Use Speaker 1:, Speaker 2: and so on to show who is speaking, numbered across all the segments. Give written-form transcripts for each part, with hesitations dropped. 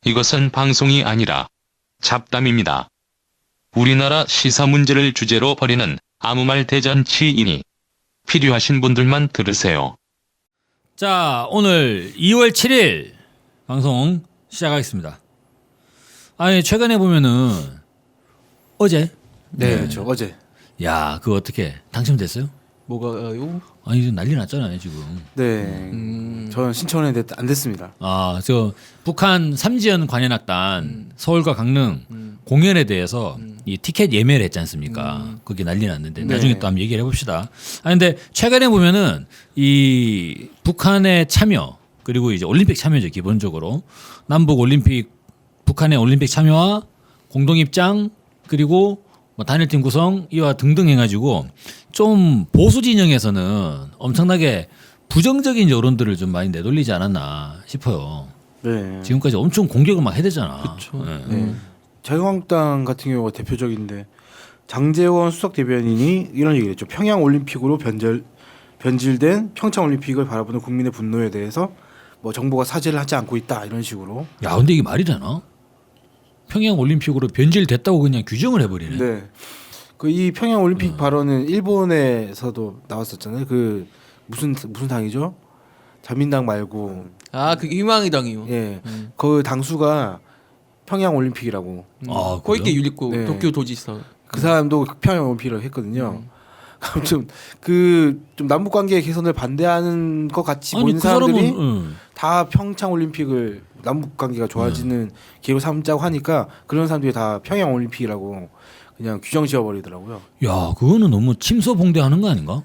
Speaker 1: 이것은 방송이 아니라 잡담입니다. 우리나라 시사 문제를 주제로 벌이는 아무 말 대잔치이니 필요하신 분들만 들으세요.
Speaker 2: 자, 오늘 2월 7일 방송 시작하겠습니다. 아니, 최근에 보면은 어제
Speaker 3: 네, 그렇죠. 어제.
Speaker 2: 야, 그거 어떻게 당첨됐어요?
Speaker 3: 뭐가요?
Speaker 2: 아니, 이거 난리 났잖아요, 지금.
Speaker 3: 네. 저는 신청했는데 안 됐습니다.
Speaker 2: 아, 저 북한 삼지연 관현악단 서울과 강릉 공연에 대해서 이 티켓 예매를 했지 않습니까? 거기 난리 났는데
Speaker 3: 네.
Speaker 2: 나중에 또 한번 얘기를 해봅시다. 아, 근데 최근에 보면은 이 북한의 참여 그리고 이제 올림픽 참여죠, 기본적으로 남북 올림픽 북한의 올림픽 참여와 공동 입장 그리고 뭐 단일팀 구성 이와 등등 해가지고 좀 보수 진영에서는 엄청나게 부정적인 여론들을 좀 많이 내돌리지 않았나 싶어요.
Speaker 3: 네.
Speaker 2: 지금까지 엄청 공격을 막 해대잖아.
Speaker 3: 그렇죠.
Speaker 2: 네.
Speaker 3: 네. 자유한국당 같은 경우가 대표적인데 장제원 수석 대변인이 이런 얘기를 했죠. 평양 올림픽으로 변질된 평창 올림픽을 바라보는 국민의 분노에 대해서 뭐 정부가 사죄를 하지 않고 있다 이런 식으로.
Speaker 2: 야, 근데 이게 말이 되나? 평양 올림픽으로 변질됐다고 그냥 규정을 해버리네.
Speaker 3: 네. 그 이 평양 올림픽 발언은 일본에서도 나왔었잖아요. 그 무슨 당이죠? 자민당 말고
Speaker 4: 아, 그 희망의당이요.
Speaker 3: 예. 그 당수가 평양 올림픽이라고.
Speaker 2: 아,
Speaker 4: 코이케
Speaker 2: 그래요?
Speaker 4: 유리코
Speaker 3: 네.
Speaker 4: 도쿄 도지사.
Speaker 3: 그 사람도 평양 올림픽을 했거든요. 아무튼 그 좀 남북 관계 개선을 반대하는 것 같이
Speaker 2: 아니
Speaker 3: 보이는
Speaker 2: 그 사람은
Speaker 3: 사람들이
Speaker 2: 응.
Speaker 3: 다 평창 올림픽을 남북 관계가 좋아지는 기회로 삼자고 하니까 그런 사람들이 다 평양 올림픽이라고 그냥 규정 지어버리더라고요.
Speaker 2: 야, 그거는 너무 침소봉대하는 거 아닌가?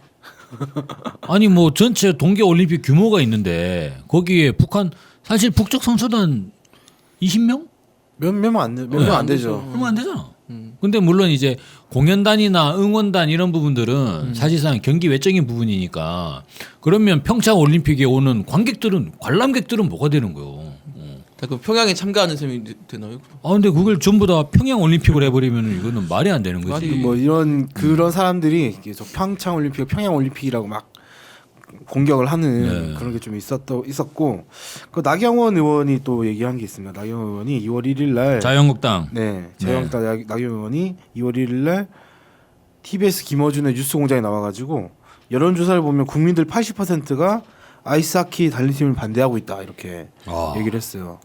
Speaker 2: 아니 뭐 전체 동계 올림픽 규모가 있는데 거기에 북한 사실 북쪽 선수단 20명?
Speaker 3: 몇 명 안 되죠.
Speaker 2: 얼마 안 되잖아. 근데 물론 이제 공연단이나 응원단 이런 부분들은 사실상 경기 외적인 부분이니까 그러면 평창 올림픽에 오는 관람객들은 뭐가 되는 거예요?
Speaker 4: 다 그 평양에 참가하는 셈이 되나요?
Speaker 2: 아 근데 그걸 전부 다 평양 올림픽으로 해버리면 이거는 말이 안 되는 거지.
Speaker 4: 말이-
Speaker 3: 뭐 이런 그런 사람들이 계속 평창 올림픽, 평양 올림픽이라고 막 공격을 하는
Speaker 2: 네.
Speaker 3: 그런 게 좀 있었고 그 나경원 의원이 또 얘기한 게 있습니다. 나경원 의원이 2월 1일 날
Speaker 2: 자유한국당.
Speaker 3: 네, 자유한국당 나경원 의원이 2월 1일 날 TBS 김어준의 뉴스공장에 나와가지고 여론조사를 보면 국민들 80%가 아이스하키 달리팀을 반대하고 있다 이렇게
Speaker 2: 아.
Speaker 3: 얘기를 했어요.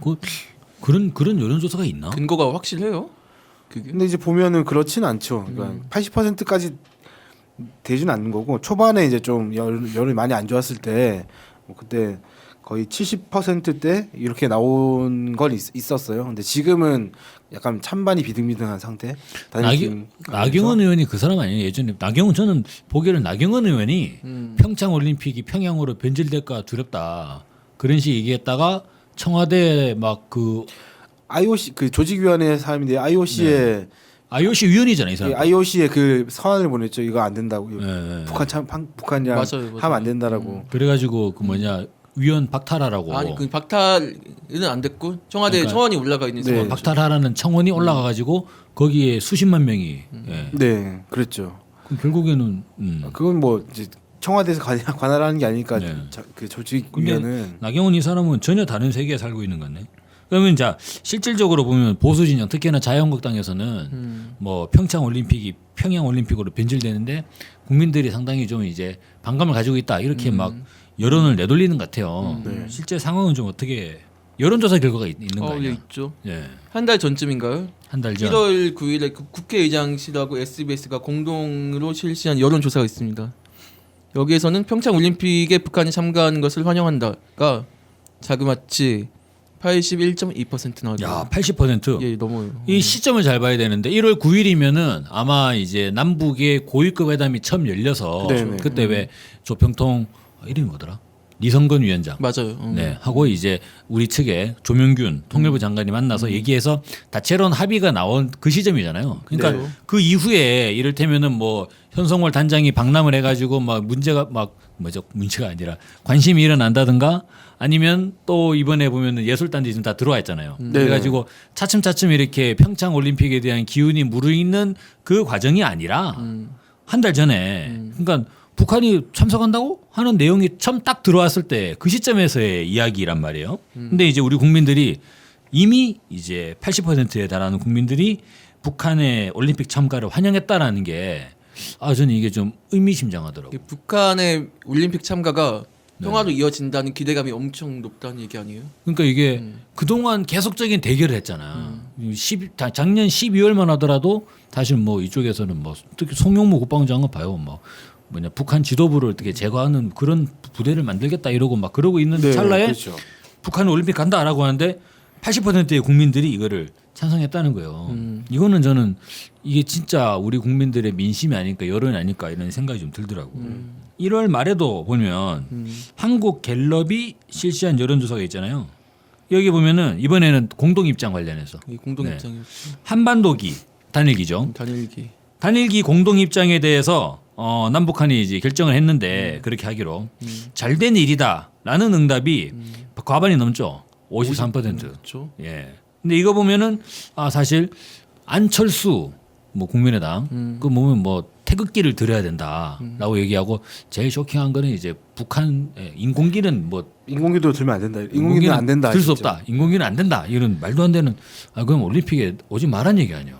Speaker 2: 그런 여론조사가 있나?
Speaker 4: 근거가 확실해요? 그게?
Speaker 3: 근데 이제 보면은 그렇지는 않죠. 그러니까 80%까지 되지는 않는 거고 초반에 이제 좀 여론이 많이 안 좋았을 때 뭐 그때 거의 70%대 이렇게 나온 건 있었어요. 근데 지금은 약간 찬반이 비등비등한 상태.
Speaker 2: 나경원 의원이 그 사람 아니에요? 예전에 저는 보기에는 나경원 의원이 평창 올림픽이 평양으로 변질될까 두렵다 그런 식 얘기했다가 청와대 막 그
Speaker 3: IOC 그 조직위원회 사람인데 IOC에
Speaker 2: IOC 위원이잖아요, 이 사람.
Speaker 3: IOC에 그 서한을 보냈죠. 이거 안 된다고.
Speaker 2: 네.
Speaker 3: 북한이랑
Speaker 4: 맞아요.
Speaker 3: 하면 안 된다라고.
Speaker 2: 그래가지고 그 뭐냐 위원 박탈하라고.
Speaker 4: 아니 그 박탈은 안 됐고 청와대
Speaker 2: 그러니까-
Speaker 4: 청원이 올라가 있는
Speaker 3: 네.
Speaker 4: 상황.
Speaker 2: 박탈하라는 청원이 올라가가지고 거기에 수십만 명이. 예.
Speaker 3: 네, 그랬죠.
Speaker 2: 그럼 결국에는
Speaker 3: 그건 뭐 이제 청와대에서 관할하는 게 아니니까
Speaker 2: 네.
Speaker 3: 그
Speaker 2: 근데
Speaker 3: 조직위원회는
Speaker 2: 나경원 이 사람은 전혀 다른 세계에 살고 있는 거네. 그러면 자 실질적으로 보면 보수 진영 특히나 자유한국당에서는 뭐 평양 올림픽으로 변질되는데 국민들이 상당히 좀 이제 반감을 가지고 있다 이렇게 막 여론을 내돌리는 것 같아요.
Speaker 3: 네.
Speaker 2: 실제 상황은 좀 어떻게 여론조사 결과가 있는 거
Speaker 4: 예,
Speaker 2: 아니야?
Speaker 4: 있죠.
Speaker 2: 예,
Speaker 4: 한 달 전쯤인가요?
Speaker 2: 한 달 전.
Speaker 4: 1월 9일에 그 국회의장실하고 SBS가 공동으로 실시한 여론조사가 있습니다. 여기에서는 평창 올림픽에 북한이 참가하는 것을 환영한다가 자그마치 81.2% 나왔죠.
Speaker 2: 야, 80%.
Speaker 4: 예, 넘어요.
Speaker 2: 이 시점을 잘 봐야 되는데 1월 9일이면은 아마 이제 남북의 고위급 회담이 처음 열려서
Speaker 3: 네네.
Speaker 2: 그때 왜 조평통 이름이 뭐더라? 리성건 위원장.
Speaker 4: 맞아요.
Speaker 2: 네, 하고 이제 우리 측에 조명균 통일부 장관이 만나서 얘기해서 다채로운 합의가 나온 그 시점이잖아요. 그러니까
Speaker 4: 네.
Speaker 2: 그 이후에 이를테면은 뭐 현성월 단장이 방남을 해가지고 막 문제가 아니라 관심이 일어난다든가 아니면 또 이번에 보면은 예술단들이 지금 다 들어와 있잖아요. 그래가지고 차츰차츰 이렇게 평창 올림픽에 대한 기운이 무르익는 그 과정이 아니라 한 달 전에 그러니까 북한이 참석한다고 하는 내용이 처음 딱 들어왔을 때 그 시점에서의 이야기란 말이에요. 근데 이제 우리 국민들이 이미 이제 80%에 달하는 국민들이 북한의 올림픽 참가를 환영했다라는 게 저는 이게 좀 의미심장하더라고요.
Speaker 4: 북한의 올림픽 참가가 평화로 이어진다는 기대감이 엄청 높다는 얘기 아니에요?
Speaker 2: 그러니까 이게 그동안 계속적인 대결을 했잖아. 작년 12월만 하더라도 사실 뭐 이쪽에서는 뭐 특히 송영무 국방장관 봐요. 뭐 뭐냐 북한 지도부를 어떻게 제거하는 그런 부대를 만들겠다 이러고 막 그러고 있는
Speaker 3: 네,
Speaker 2: 찰나에
Speaker 3: 그렇죠.
Speaker 2: 북한은 올림픽 간다라고 하는데 80%의 국민들이 이거를 찬성했다는 거예요. 이거는 저는 이게 진짜 우리 국민들의 민심이 아닐까 여론이 아닐까 이런 생각이 좀 들더라고요. 1월 말에도 보면 한국 갤럽이 실시한 여론조사가 있잖아요. 여기 보면은 이번에는 공동 입장 관련해서
Speaker 4: 이 공동
Speaker 2: 네.
Speaker 4: 입장이었죠.
Speaker 2: 한반도기 단일기죠.
Speaker 4: 단일기.
Speaker 2: 단일기 공동 입장에 대해서 남북한이 이제 결정을 했는데 그렇게 하기로 잘된 일이다라는 응답이 과반이 넘죠. 53%.
Speaker 4: 그렇죠.
Speaker 2: 예. 근데 이거 보면은 사실 안철수 뭐 국민의당 그 보면 뭐 태극기를 들여야 된다라고 얘기하고 제일 쇼킹한 거는 이제 북한 인공기는 뭐
Speaker 3: 인공기도 들면 안 된다. 인공기는 안 된다.
Speaker 2: 들 수
Speaker 3: 진짜.
Speaker 2: 없다. 인공기는 안 된다. 이런 말도 안 되는 그럼 올림픽에 오지 말란 얘기 아니야.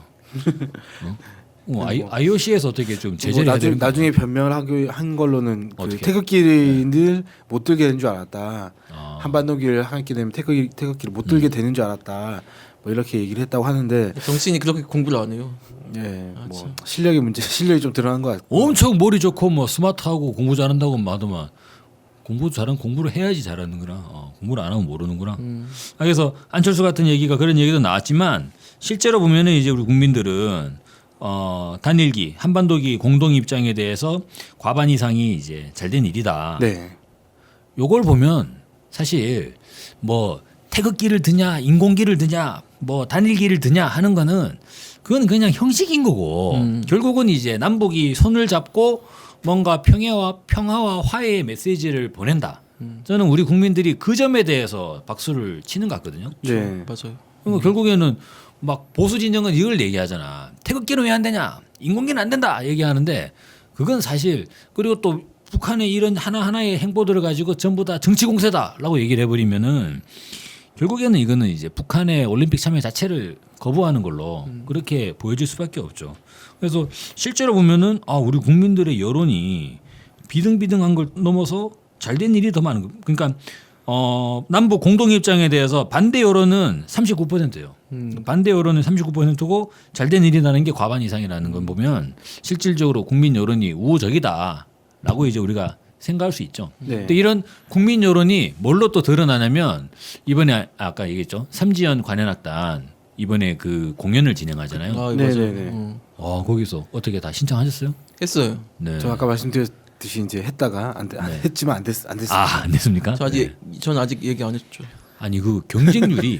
Speaker 2: IOC에서 어떻게 좀 제재를 해야 되는
Speaker 3: 나중에 변명을 한 걸로는 그
Speaker 2: 어떻게?
Speaker 3: 태극기를 못 들게 되는 줄 알았다.
Speaker 2: 아.
Speaker 3: 한반도기를 하게 되면 태극기를 못 들게 되는 줄 알았다. 뭐 이렇게 얘기를 했다고 하는데
Speaker 4: 정치인이 그렇게 공부를 안 해요.
Speaker 3: 예, 뭐
Speaker 4: 참.
Speaker 3: 실력이 좀 드러난 것 같고.
Speaker 2: 엄청 머리 좋고 뭐 스마트하고 공부 잘한다고 하더만 공부를 해야지 잘하는구나. 공부를 안 하면 모르는구나. 그래서 안철수 같은 얘기가 그런 얘기도 나왔지만 실제로 보면은 이제 우리 국민들은 단일기 한반도기 공동 입장에 대해서 과반 이상이 이제 잘된 일이다.
Speaker 3: 네.
Speaker 2: 요걸 보면 사실 뭐 태극기를 드냐 인공기를 드냐 뭐 단일기를 드냐 하는 거는 그건 그냥 형식인 거고 결국은 이제 남북이 손을 잡고 뭔가 평화와 화해의 메시지를 보낸다. 저는 우리 국민들이 그 점에 대해서 박수를 치는 것 같거든요.
Speaker 3: 네.
Speaker 4: 맞아요.
Speaker 2: 그러니까 결국에는 막 보수 진영은 이걸 얘기하잖아. 태극기는 왜 안 되냐? 인공기는 안 된다. 얘기하는데 그건 사실 그리고 또 북한의 이런 하나하나의 행보들을 가지고 전부 다 정치 공세다라고 얘기를 해버리면은 결국에는 이거는 이제 북한의 올림픽 참여 자체를 거부하는 걸로 그렇게 보여질 수밖에 없죠. 그래서 실제로 보면은 우리 국민들의 여론이 비등비등한 걸 넘어서 잘된 일이 더 많은 거. 그러니까 남북 공동 입장에 대해서 반대 여론은 39%예요. 반대 여론은 39%고 잘된 일이라는 게 과반 이상이라는 걸 보면 실질적으로 국민 여론이 우호적이다라고 이제 우리가 생각할 수 있죠.
Speaker 3: 네.
Speaker 2: 근데 이런 국민 여론이 뭘로 또 드러나냐면 이번에 아까 얘기했죠. 삼지연 관현악단 이번에 그 공연을 진행하잖아요.
Speaker 4: 아,
Speaker 3: 네,
Speaker 4: 맞아요.
Speaker 3: 네, 네.
Speaker 2: 거기서 어떻게 다 신청하셨어요?
Speaker 4: 했어요.
Speaker 2: 네.
Speaker 3: 저 아까 말씀드렸듯이 이제 했다가 했지만 안 됐어요.
Speaker 2: 안 됐습니까?
Speaker 4: 저 아직 전 아직 얘기 안 했죠.
Speaker 2: 아니 그 경쟁률이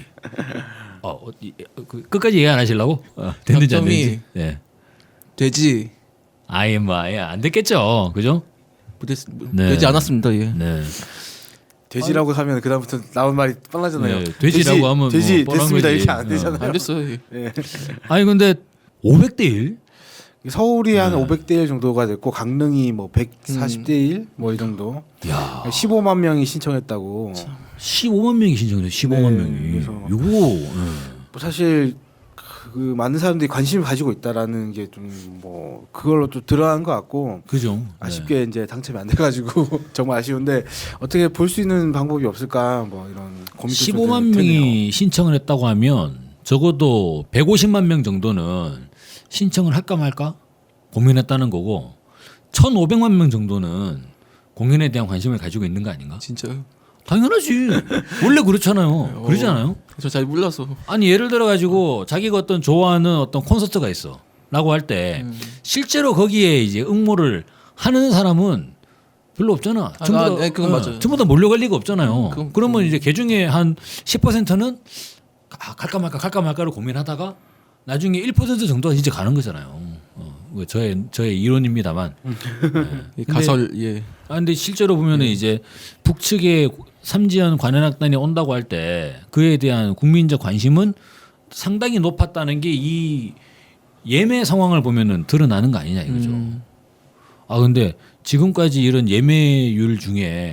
Speaker 2: 끝까지 얘기 안 하시려고? 됐는지 안 됐는지. 네.
Speaker 4: 되지
Speaker 2: 아예 안 됐겠죠, 그죠? 네.
Speaker 4: 되지 않았습니다. 예.
Speaker 2: 네.
Speaker 3: 돼지라고 하면 그다음부터 나온 말이 뻔하잖아요.
Speaker 2: 네, 돼지라고 하면
Speaker 3: 돼지
Speaker 2: 뭐 뻔한
Speaker 3: 됐습니다
Speaker 2: 거지.
Speaker 3: 이렇게 안 되잖아요.
Speaker 4: 안 됐어요. 예.
Speaker 3: 예.
Speaker 2: 아니 근데 500대 1?
Speaker 3: 서울이 한 500대 1 정도가 됐고 강릉이 뭐 140대 1 뭐 이 정도.
Speaker 2: 야,
Speaker 3: 15만 명이 신청했다고.
Speaker 2: 15만 명이 신청했어요. 15만
Speaker 3: 네,
Speaker 2: 명이.
Speaker 3: 그래서-
Speaker 2: 이거
Speaker 3: 뭐 사실 그 많은 사람들이 관심을 가지고 있다라는 게 좀 뭐 그걸로 또 드러난 것 같고
Speaker 2: 그죠?
Speaker 3: 아쉽게 이제 당첨이 안 돼가지고 정말 아쉬운데 어떻게 볼 수 있는 방법이 없을까 뭐 이런 고민도 좀
Speaker 2: 15만
Speaker 3: 되네요.
Speaker 2: 명이 신청을 했다고 하면 적어도 150만 명 정도는 신청을 할까 말까 고민했다는 거고 1,500만 명 정도는 공연에 대한 관심을 가지고 있는 거 아닌가?
Speaker 4: 진짜요?
Speaker 2: 당연하지. 원래 그렇잖아요. 그러지 않아요?
Speaker 4: 저 잘 몰라서.
Speaker 2: 아니 예를 들어 가지고 자기가 어떤 좋아하는 어떤 콘서트가 있어라고 할 때 실제로 거기에 이제 응모를 하는 사람은 별로 없잖아.
Speaker 4: 네, 그건 맞아요.
Speaker 2: 전부 다 몰려갈 리가 없잖아요.
Speaker 4: 그건-
Speaker 2: 그러면 이제 그 중에 한 10%는 갈까 말까를 고민하다가 나중에 1% 정도가 이제 가는 거잖아요. 뭐 저의 이론입니다만.
Speaker 4: 예, 가설 예.
Speaker 2: 근데 실제로 보면은 이제 북측의 삼지연 관현악단이 온다고 할 때 그에 대한 국민적 관심은 상당히 높았다는 게 이 예매 상황을 보면은 드러나는 거 아니냐 이거죠. 근데 지금까지 이런 예매율 중에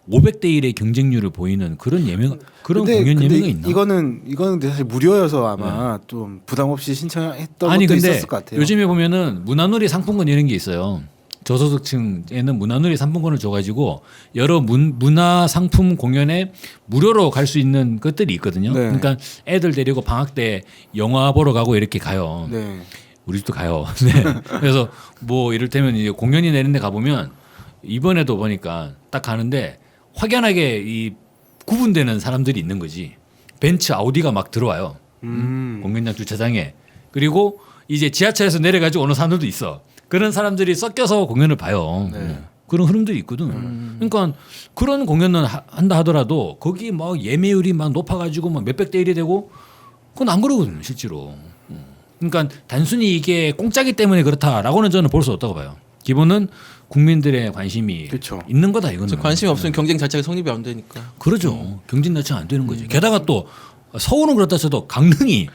Speaker 2: 500대 1의 경쟁률을 보이는 그런 그런 공연 예매가 있나?
Speaker 3: 이거는 사실 무료여서 아마 좀 부담 없이 신청했던 것도
Speaker 2: 근데
Speaker 3: 있었을 것 같아요.
Speaker 2: 요즘에 보면은 문화놀이 상품권 이런 게 있어요. 저소득층에는 문화놀이 상품권을 줘가지고 여러 문화 상품 공연에 무료로 갈 수 있는 것들이 있거든요.
Speaker 3: 네.
Speaker 2: 그러니까 애들 데리고 방학 때 영화 보러 가고 이렇게 가요.
Speaker 3: 네.
Speaker 2: 우리 집도 가요. 네. 그래서 뭐 이를테면 이제 공연이 내는데 가보면 이번에도 보니까 딱 가는데 확연하게 이 구분되는 사람들이 있는 거지. 벤츠 아우디가 막 들어와요. 공연장 주차장에. 그리고 이제 지하철에서 내려가지고 오는 사람들도 있어. 그런 사람들이 섞여서 공연을 봐요.
Speaker 3: 네.
Speaker 2: 그런 흐름들이 있거든. 그러니까 그런 공연은 한다 하더라도 거기 막 예매율이 막 높아가지고 막 몇백 대 1이 되고 그건 안 그러거든요, 실제로. 그러니까 단순히 이게 공짜기 때문에 그렇다라고는 저는 볼 수 없다고 봐요. 기본은 국민들의 관심이
Speaker 3: 그쵸.
Speaker 2: 있는 거다 이거는.
Speaker 4: 관심이 없으면 경쟁 자체가 성립이 안 되니까.
Speaker 2: 그러죠. 경쟁 자체가 안 되는 거죠. 게다가 또 서울은 그렇다 쳐도 강릉이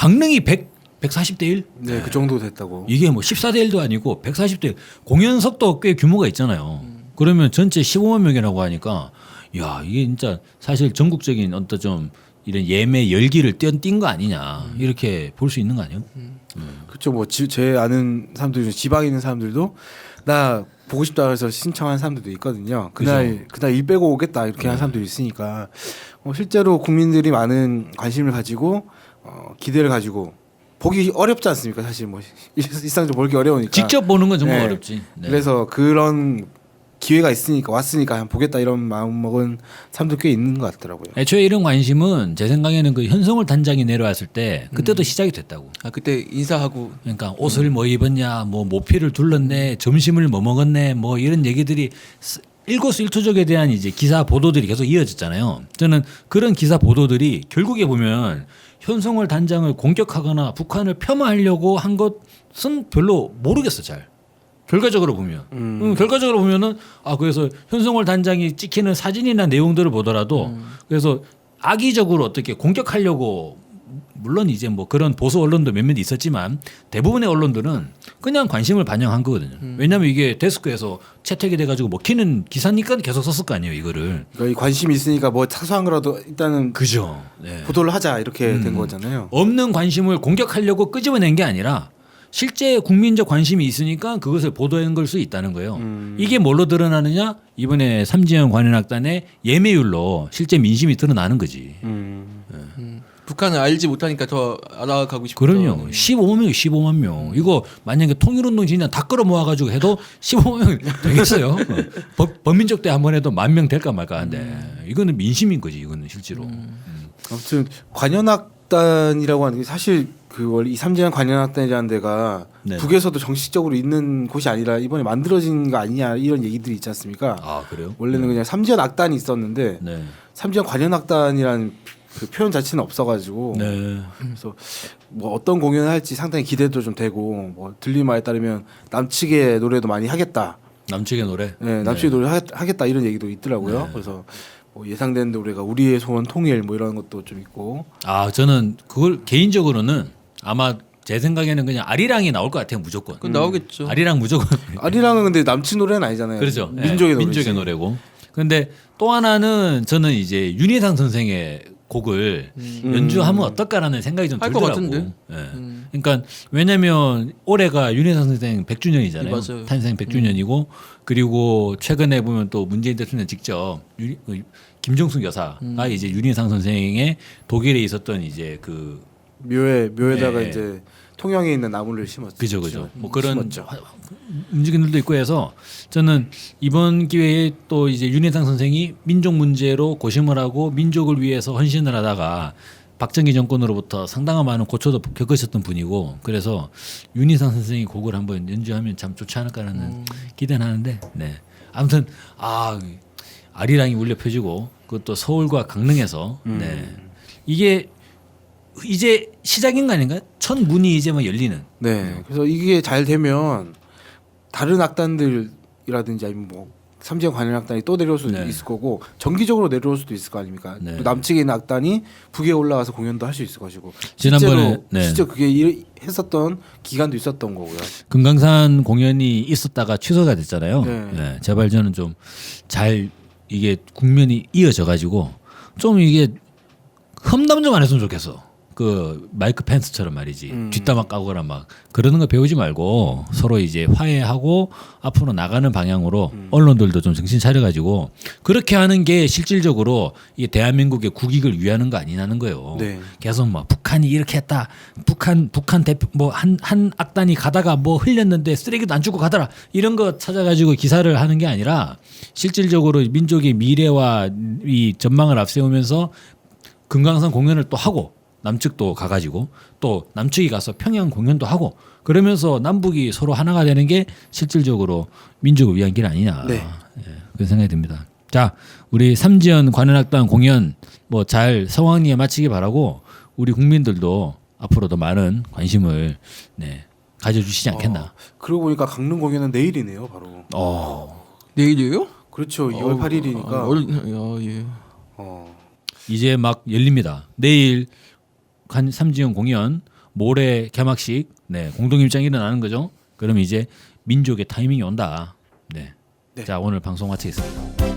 Speaker 2: 140대 1?
Speaker 3: 네, 그 정도 됐다고.
Speaker 2: 이게 뭐 14대 1도 아니고 140대 1. 공연석도 꽤 규모가 있잖아요. 그러면 전체 15만 명이라고 하니까 야, 이게 진짜 사실 전국적인 어떤 좀 이런 예매 열기를 띈 거 아니냐. 이렇게 볼 수 있는 거 아니에요?
Speaker 3: 그렇죠. 뭐 제 아는 사람들 중 지방에 있는 사람들도 나 보고 싶다 해서 신청한 사람들도 있거든요. 그날 일 빼고 오겠다 이렇게 한 사람들이 있으니까 실제로 국민들이 많은 관심을 가지고 기대를 가지고 보기 어렵지 않습니까? 사실 뭐 일상적으로 보기 어려우니까.
Speaker 2: 직접 보는 건 정말
Speaker 3: 네.
Speaker 2: 어렵지. 네.
Speaker 3: 그래서 그런 기회가 있으니까 왔으니까 한번 보겠다 이런 마음 먹은 사람도 꽤 있는 것 같더라고요.
Speaker 2: 애초에 이런 관심은 제 생각에는 그 현성월 단장이 내려왔을 때 그때도 시작이 됐다고.
Speaker 4: 아 그때 인사하고
Speaker 2: 그러니까 옷을 뭐 입었냐, 뭐 모피를 둘렀네, 점심을 뭐 먹었네, 뭐 이런 얘기들이 일거수일투족에 대한 이제 기사 보도들이 계속 이어졌잖아요. 저는 그런 기사 보도들이 결국에 보면 현성월 단장을 공격하거나 북한을 폄하하려고 한 것은 별로 모르겠어 잘. 결과적으로 보면 결과적으로 보면은 그래서 현성월 단장이 찍히는 사진이나 내용들을 보더라도 그래서 악의적으로 어떻게 공격하려고 물론 이제 뭐 그런 보수 언론도 몇몇 있었지만 대부분의 언론들은 그냥 관심을 반영한 거거든요. 왜냐하면 이게 데스크에서 채택이 돼가지고 먹히는 기사니까 계속 썼을 거 아니에요 이거를.
Speaker 3: 그러니까 이 관심이 있으니까 뭐 사소한 거라도 일단은
Speaker 2: 그죠. 네.
Speaker 3: 보도를 하자 이렇게 된 거잖아요.
Speaker 2: 없는 관심을 공격하려고 끄집어낸 게 아니라 실제 국민적 관심이 있으니까 그것을 보도한 걸 수 있다는 거예요. 이게 뭘로 드러나느냐? 이번에 삼지연 관현악단의 예매율로 실제 민심이 드러나는 거지.
Speaker 4: 북한을 알지 못하니까 더 알아가고 싶다.
Speaker 2: 그럼요. 15만 명. 이거 만약에 통일운동 진짜 다 끌어 모아가지고 해도 15만 명 되겠어요. 범민족 때 한 번 해도 10,000명 될까 말까 한데 이거는 민심인 거지. 이거는 실제로.
Speaker 3: 아무튼 관현악단이라고 하는 게 사실 그 원래 이 삼지연 관현악단이라는 데가
Speaker 2: 네.
Speaker 3: 북에서도 정식적으로 있는 곳이 아니라 이번에 만들어진 거 아니냐 이런 얘기들이 있지 않습니까?
Speaker 2: 아 그래요?
Speaker 3: 원래는 그냥 삼지연 악단이 있었는데
Speaker 2: 네.
Speaker 3: 삼지연 관현악단이라는 그 표현 자체는 없어가지고
Speaker 2: 네.
Speaker 3: 그래서 뭐 어떤 공연을 할지 상당히 기대도 좀 되고 뭐 들린 말에 따르면 남측의 노래도 많이 하겠다.
Speaker 2: 남측의 노래.
Speaker 3: 네, 남측의 노래 하겠다 이런 얘기도 있더라고요. 그래서 뭐 예상되는 노래가 우리의 소원 통일 뭐 이런 것도 좀 있고.
Speaker 2: 저는 그걸 개인적으로는 아마 제 생각에는 그냥 아리랑이 나올 것 같아요 무조건.
Speaker 4: 그건 나오겠죠.
Speaker 2: 아리랑 무조건.
Speaker 3: 아리랑은 근데 남측 노래는 아니잖아요.
Speaker 2: 그렇죠.
Speaker 3: 민족의 노래지.
Speaker 2: 민족의 노래고. 근데 또 하나는 저는 이제 윤희상 선생의 곡을 연주하면 어떨까라는 생각이 좀
Speaker 4: 할것
Speaker 2: 들더라고.
Speaker 4: 같은데?
Speaker 2: 예. 그러니까 왜냐면 올해가 윤희상 선생 100주년이잖아요.
Speaker 4: 맞아요.
Speaker 2: 탄생 100주년이고 그리고 최근에 보면 또 문재인 대통령 직접 김정숙 여사가 이제 윤희상 선생의 독일에 있었던 이제 그
Speaker 3: 묘에다가
Speaker 2: 네.
Speaker 3: 이제 통영에 있는 나무를 심었죠.
Speaker 2: 그죠. 뭐 그런
Speaker 3: 심었죠.
Speaker 2: 움직임들도 있고 해서 저는 이번 기회에 또 이제 윤혜상 선생이 민족 문제로 고심을 하고 민족을 위해서 헌신을 하다가 박정희 정권으로부터 상당한 많은 고초도 겪으셨던 분이고 그래서 윤희상 선생이 곡을 한번 연주하면 참 좋지 않을까라는 기대는 하는데 네. 아무튼 아리랑이 울려 펴지고 그것도 서울과 강릉에서 네. 이게 이제 시작인 거 아닌가요? 첫 문이 이제 막 열리는.
Speaker 3: 네. 그래서 이게 잘 되면 다른 악단들이라든지 아니면 뭐 삼지연 관현악단이 또 내려올 수도
Speaker 2: 네.
Speaker 3: 있을 거고 정기적으로 내려올 수도 있을 거 아닙니까?
Speaker 2: 네.
Speaker 3: 또 남측에 있는 악단이 북에 올라가서 공연도 할 수 있을 것이고
Speaker 2: 지난번에 네.
Speaker 3: 실제 그게 했었던 기간도 있었던 거고요.
Speaker 2: 금강산 공연이 있었다가 취소가 됐잖아요.
Speaker 3: 네.
Speaker 2: 네, 제발 저는 좀 잘 이게 국면이 이어져 가지고 좀 이게 험담 좀 안 했으면 좋겠어. 그 마이크 펜스처럼 말이지. 뒷담화 까거나 막 그러는 거 배우지 말고 서로 이제 화해하고 앞으로 나가는 방향으로 언론들도 좀 정신 차려가지고 그렇게 하는 게 실질적으로 이게 대한민국의 국익을 위하는 거 아니냐는 거예요.
Speaker 3: 네.
Speaker 2: 계속 뭐 북한이 이렇게 했다. 북한 대표 뭐 한 악단이 가다가 뭐 흘렸는데 쓰레기도 안 주고 가더라. 이런 거 찾아가지고 기사를 하는 게 아니라 실질적으로 민족의 미래와 이 전망을 앞세우면서 금강산 공연을 또 하고 남측도 가가지고 또 남측이 가서 평양 공연도 하고 그러면서 남북이 서로 하나가 되는 게 실질적으로 민족을 위한 길 아니냐.
Speaker 3: 네.
Speaker 2: 예, 그런 생각이 듭니다. 자, 우리 삼지연 관현악단 공연 뭐 잘 성황리에 마치기 바라고 우리 국민들도 앞으로도 많은 관심을 네, 가져주시지 않겠나.
Speaker 3: 그러고 보니까 강릉 공연은 내일이네요, 바로.
Speaker 4: 내일이에요?
Speaker 3: 그렇죠. 2월 8일이니까.
Speaker 4: 예.
Speaker 2: 이제 막 열립니다. 내일 삼지연 공연, 모레 개막식, 네, 공동일장이 일어나는 거죠. 그럼 이제 민족의 타이밍이 온다. 네.
Speaker 3: 네.
Speaker 2: 자, 오늘 방송 마치겠습니다.